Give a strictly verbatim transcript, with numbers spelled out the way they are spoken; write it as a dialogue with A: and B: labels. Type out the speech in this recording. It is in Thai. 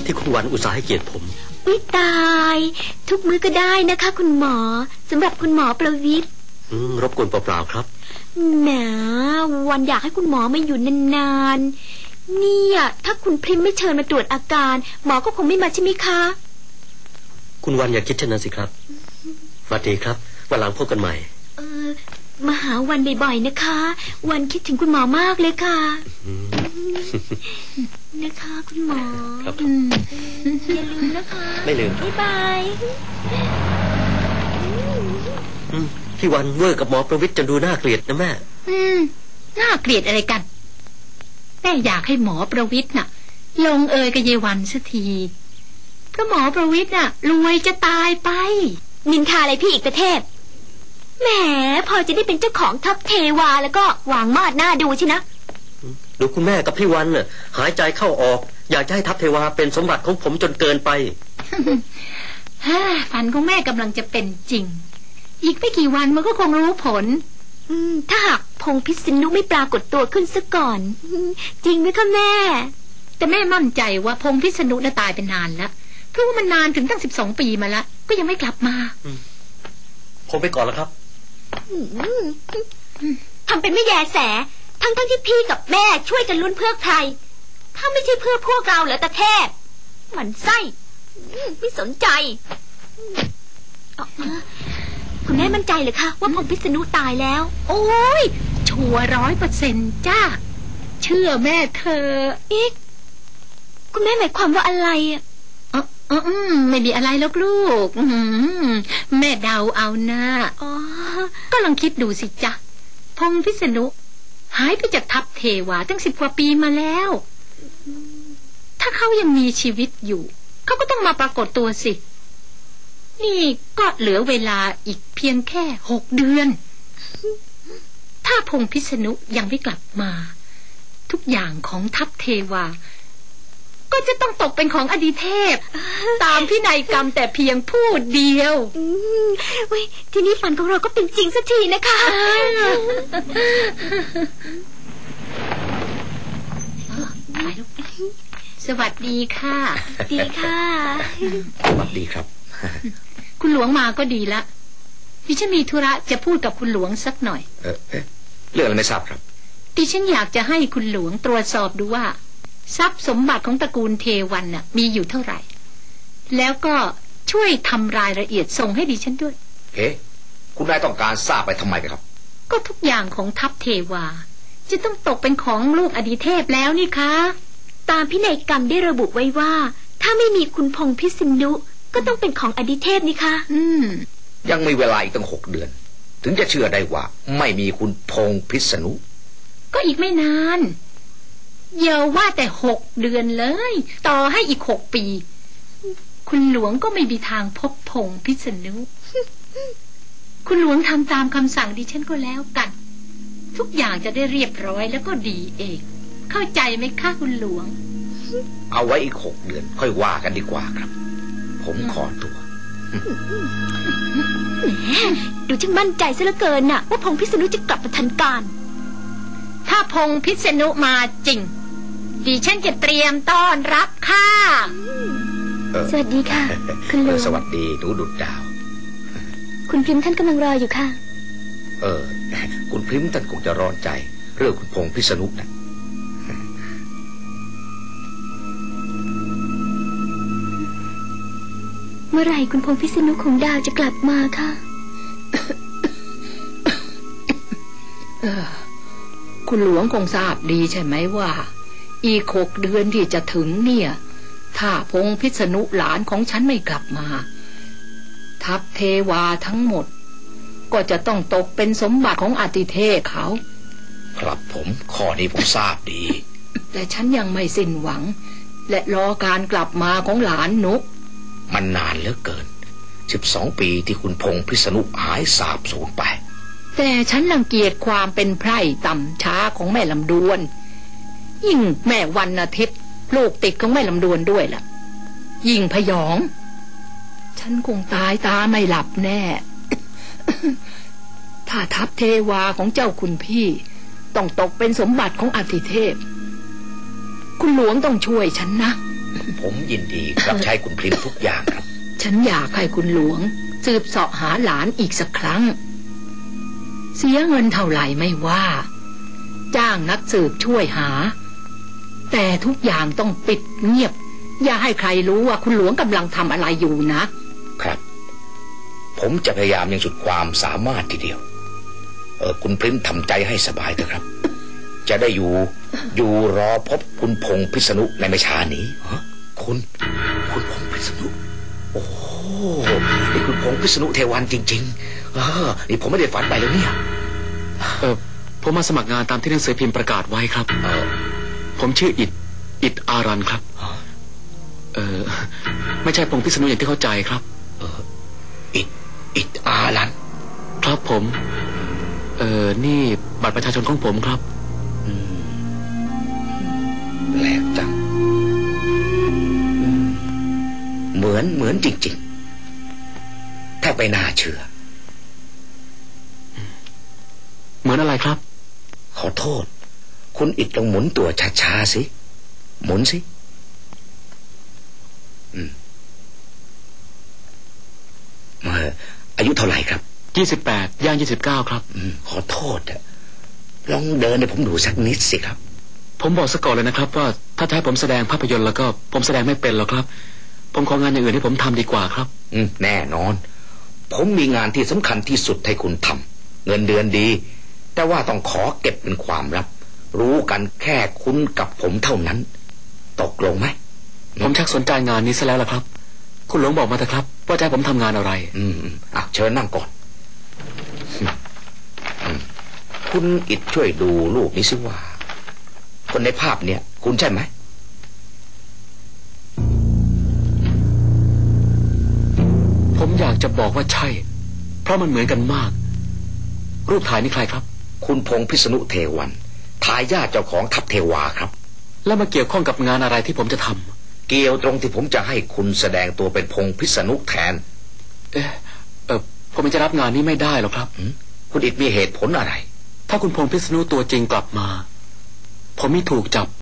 A: ที่คุณวันอุตส่าห์ให้เกียรติผม
B: อุ๊ยตายทุกมื้อก็ได้นะคะคุณหมอสำหรับคุณหมอประวิตร
A: อืมรบกวนเปล่าๆครับ
B: แหมวันอยากให้คุณหมอมาอยู่นานๆเนี่ยถ้าคุณพริมไม่เชิญมาตรวจอาการหมอก็คงไม่มาใช่ไหมคะ
A: คุณวันอย่าคิดเช่นนั้นสิครับสวัสดีครับวันหลังพบกันใหม่
B: เออมาหาวันบ่อยๆนะคะวันคิดถึงคุณหมอมากเลยค่ะนะคะคุณหมอ
A: ครับ
B: อย่าลืมนะคะ
A: ไม่ลืม
B: บ๊ายบาย
A: พี่วันเวอร์กับหมอประวิตรจะดูน่าเกลียดนะแม่
C: อืมน่าเกลียดอะไรกันแม่อยากให้หมอประวิตรน่ะลงเอยกับเยวันสักทีเพราะหมอประวิตรน่ะรวยจะตายไป
B: นินทาอะไรพี่อีกประเทศแหมพอจะได้เป็นเจ้าของทัพเทวาแล้วก็หวังมาดหน้าดูใช่นะ
A: ดูคุณแม่กับพี่วันน่ะหายใจเข้าออกอยากจะให้ทัพเทวาเป็นสมบัติของผมจนเกินไป
C: ฮ่าฝันของแม่กำลังจะเป็นจริงอีกไม่กี่วันมันก็คงรู้ผล
B: อืมถ้าหากพงษ์พิษณุไม่ปรากฏตัวขึ้นซะก่อนจริงไหมคะแม่
C: แต่แม่มั่นใจว่าพงษ์พิษณุน่ะตายเป็นนานแล้วเพราะว่ามันนานถึงตั้งสิบสองปีมาแล้วก็ยังไม่กลับมา
A: ผมไปก่อนแล้วครับ
B: ทำเป็นไม่แยแสทั้งทั้งที่พี่กับแม่ช่วยกันลุ้นเพื่อใครถ้าไม่ใช่เพื่อพวกเราเหรอตาเทพหมั่นไส้ไม่สนใจคุณแม่มั่นใจเหรอคะว่าพงษ์พิษณุตายแล้ว
C: โอ้ยชัวร์ร้อยเปอร์เซ็นต์จ้าเชื่อแม่เธอ
B: อีกคุณแม่หมายความว่าอะไรอ่ะ
C: อ๋ออ๋อไม่มีอะไรแล้วลูกแม่เดาเอานะ
B: อ๋อ
C: ก็ลองคิดดูสิจ๊ะพงษ์พิษณุหายไปจากทัพเทวาตั้งสิบกว่าปีมาแล้วถ้าเขายังมีชีวิตอยู่เขาก็ต้องมาปรากฏตัวสินี่ก็เหลือเวลาอีกเพียงแค่หกเดือนถ้าพงษ์พิษณุยังไม่กลับมาทุกอย่างของทัพเทวาก็จะต้องตกเป็นของอดีเทพตามพินัยกรรมแต่เพียงผู้เดียว
B: เว้ยทีนี้ฝันของเราก็เป็นจริงสักทีนะคะ
C: สวัสดีค่ะ
B: ดีค่ะ
A: สวัสดีครับ
C: คุณหลวงมาก็ดีละดิฉันมีธุระจะพูดกับคุณหลวงสักหน่อย
A: เออเรื่องอะไรไม่ทราบครับ
C: ดิฉันอยากจะให้คุณหลวงตรวจสอบดูว่าทรัพย์สมบัติของตระกูลเทวันน่ะมีอยู่เท่าไหร่แล้วก็ช่วยทำรายละเอียดส่งให้ดิฉันด้วย
D: เอ๊ะคุณนายต้องการทราบไปทำไมกันครับ
C: ก็ทุกอย่างของทัพเทวาจะต้องตกเป็นของลูกอดีเทพแล้วนี่คะ
B: ตามพินัยกรรมได้ระบุไว้ว่าถ้าไม่มีคุณพงษ์พิษณุก็ต้องเป็นของอดีเทพนี่คะ
C: อืม
D: ยังมีเวลาอีกตั้งหกเดือนถึงจะเชื่อได้ว่าไม่มีคุณพงษ์พิษณุ
C: ก็อีกไม่นานอย่าว่าแต่หกเดือนเลยต่อให้อีกหกปีคุณหลวงก็ไม่มีทางพบพงษ์พิษณุคุณหลวงทำตามคำสั่งดิฉันก็แล้วกันทุกอย่างจะได้เรียบร้อยแล้วก็ดีเองเข้าใจไหมคะคุณหลวง
D: เอาไว้อีกหกเดือนค่อยว่ากันดีกว่าครับผมขอตัว
B: แหมดูช่างมั่นใจซะเหลือเกินน่ะว่าพงษ์พิษณุจะกลับมาทันการ
C: ถ้าพงษ์พิษณุมาจริงดิฉันจะเตรียมต้อนรับค่ะ
B: สวัสดีค่ะคุณหลวง
D: สวัสดีหนูดุจดาว
B: คุณพริมท่านกำลังรออยู่ค่ะ
D: เออคุณพริมท่านคงจะร้อนใจเรื่องคุณพงษ์พิษณุนะ
B: เมื่อไหร่คุณพงษ์พิษณุของดาวจะกลับมาคะ
C: คุณหลวงคงทราบดีใช่ไหมว่าอีกหกเดือนที่จะถึงเนี่ยถ้าพงษ์พิษณุหลานของฉันไม่กลับมาทัพเทวาทั้งหมดก็จะต้องตกเป็นสมบัติของอติเทพเขา
D: ครับผมข้อนี้ผมทราบดี
C: แต่ฉันยังไม่สิ้นหวังและรอการกลับมาของหลานนุก
D: มันนานเหลือเกินสิบสองปีที่คุณพงษ์พิษณุหายสาบสูญไป
C: แต่ฉันรังเกียจความเป็นไพร่ต่ำช้าของแม่ลำดวนยิ่งแม่วันอาทิตย์ลูกติดของแม่ลำดวนด้วยล่ะยิ่งพยองฉันคงตายตาไม่หลับแน่ ถ้าทัพเทวาของเจ้าคุณพี่ต้องตกเป็นสมบัติของอติเทพคุณหลวงต้องช่วยฉันนะ
D: ผมยินดีรับใช้คุณพริมทุกอย่างครับ
C: ฉันอยากให้คุณหลวงสืบเสาะหาหลานอีกสักครั้งเสียเงินเท่าไหร่ไม่ว่าจ้างนักสืบช่วยหาแต่ทุกอย่างต้องปิดเงียบอย่าให้ใครรู้ว่าคุณหลวงกำลังทำอะไรอยู่นะครับ
D: ผมจะพยายามอย่างสุดความสามารถทีเดียวเออคุณพริมทำใจให้สบายเถอะครับจะได้อยู่อยู่รอพบคุณพงษ์พิษณุในไม่ช้านี้ฮะคุณคุณพงษ์พิษณุโอ้นี่คุณพงษ์พิษณุเทวันจริงๆเออนี่ผมไม่ได้ฝันไปแล้วเนี่ย
A: เออผมมาสมัครงานตามที่หนังสือพิมพ์ประกาศไว้ครับเออผมชื่ออิดอิดอารันครับเออไม่ใช่พงษ์พิษณุอย่างที่เข้าใจครับ
D: เอออิดอิดอารัน
A: ครับผมเออนี่บัตรประชาชนของผมครับ
D: แปลกจังเหมือนเหมือนจริงๆถ้าไปน่าเชื่อ
A: เหมือนอะไรครับ
D: ขอโทษคุณอิดลองหมุนตัวช้าๆสิหมุนสิอืมเอออายุเท่าไหร่ครับ
A: ยี่สิบแปดย่างยี่สิบเก้าครับ
D: อืมขอโทษอะลองเดินให้ผมดูสักนิดสิครับ
A: ผมบอกซะก่อนเลยนะครับว่าถ้าจะให้ผมแสดงภาพยนตร์แล้วก็ผมแสดงไม่เป็นหรอกครับผมของานอย่างอื่นให้ผมทำดีกว่าครับ
D: อืมแน่นอนผมมีงานที่สำคัญที่สุดให้คุณทำเงินเดือนดีแต่ว่าต้องขอเก็บเป็นความลับรู้กันแค่คุณกับผมเท่านั้นตกลงไหม
A: ผมชักสนใจงานนี้ซะแล้วล่ะครับคุณหลวงบอกมาเถอะครับว่าจะให้ผมทำงานอะไร
D: อืมอ่ะเชิญนั่งก่อนคุณอิดช่วยดูรูปนี้สิว่าคนในภาพเนี่ยคุณใช่ไหม
A: ผมอยากจะบอกว่าใช่เพราะมันเหมือนกันมากรูปถ่ายนี่ใครครับ
D: คุณพงษ์พิษณุเทวันทายาทเจ้าของทัพเทวาครับ
A: แล้วมาเกี่ยวข้องกับงานอะไรที่ผมจะท
D: ำเกี่ยวตรงที่ผมจะให้คุณแสดงตัวเป็นพงษ์พิษณุแทน
A: เออเออผมจะรับงานนี้ไม่ได้หรอกครับ
D: คุณอิดมีเหตุผลอะไร
A: ถ้าคุณพงษ์พิษณุตัวจริงกลับมาผมไม่ถูกจับ